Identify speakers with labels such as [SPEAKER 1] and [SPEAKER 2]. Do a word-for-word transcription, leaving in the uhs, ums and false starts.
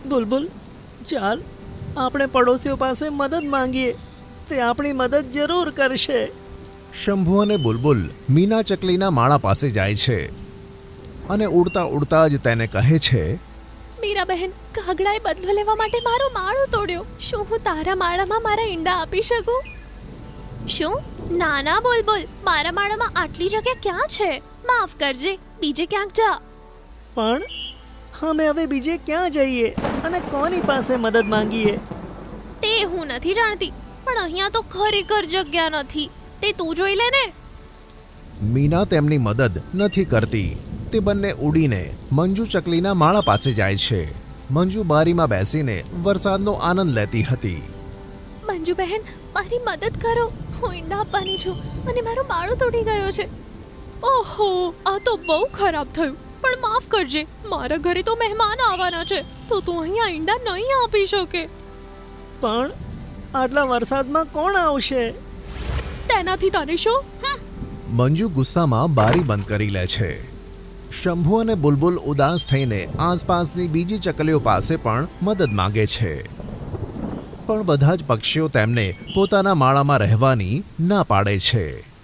[SPEAKER 1] બુલબુલ, ચાલ આપણે પડોશીઓ પાસે મદદ માંગીએ, તે આપણી મદદ જરૂર કરશે.
[SPEAKER 2] શંભુ અને બુલબુલ મીના ચકલીના માળા પાસે જાય છે અને ઉડતા ઉડતા જ તેને કહે છે,
[SPEAKER 3] મીરા બહેન, કાગડાએ બદલો લેવા માટે મારો માળો તોડ્યો. શું હું તારા માળામાં મારા ઈંડા આપી શકું? શું? ના ના બુલબુલ, મારા માળામાં આટલી જગ્યા ક્યાં છે? માફ કરજે, બીજે ક્યાંક જા.
[SPEAKER 1] પણ અમે હવે બીજે ક્યાં જઈએ અને કોની પાસે મદદ માંગીએ?
[SPEAKER 3] તે હું નથી જાણતી, પણ અહીંયા તો ખરેખર જગ્યા નથી. તે તું જોઈ લે ને.
[SPEAKER 2] મીના તેમની મદદ નથી કરતી. તે બંને ઉડીને મંજુ ચકલીના માળા પાસે જાય છે. મંજુ બારીમાં બેસીને વરસાદનો આનંદ લેતી હતી.
[SPEAKER 3] મંજુ બહેન, મારી મદદ કરો. હું ઈંડા આપવાની છું અને મારો માળો તૂટી ગયો છે. ઓહો, આ તો બહુ ખરાબ થયું. પણ માફ કરજે, મારા ઘરે તો મહેમાન આવવાના છે, તો તું અહીંયા ઈંડા નહીં આપી શકે.
[SPEAKER 1] પણ આટલા વરસાદમાં કોણ આવશે?
[SPEAKER 3] તેનાથી તને શું? હમ.
[SPEAKER 2] મંજુ ગુસ્સામાં બારી બંધ કરી લે છે. શંભુ અને બુલબુલ ઉદાસ થઈને આસપાસની બીજી ચકલીઓ પાસે પણ મદદ માંગે છે, પણ બધા જ પક્ષીઓ તેમને પોતાના માળામાં રહેવાની ના પાડે છે.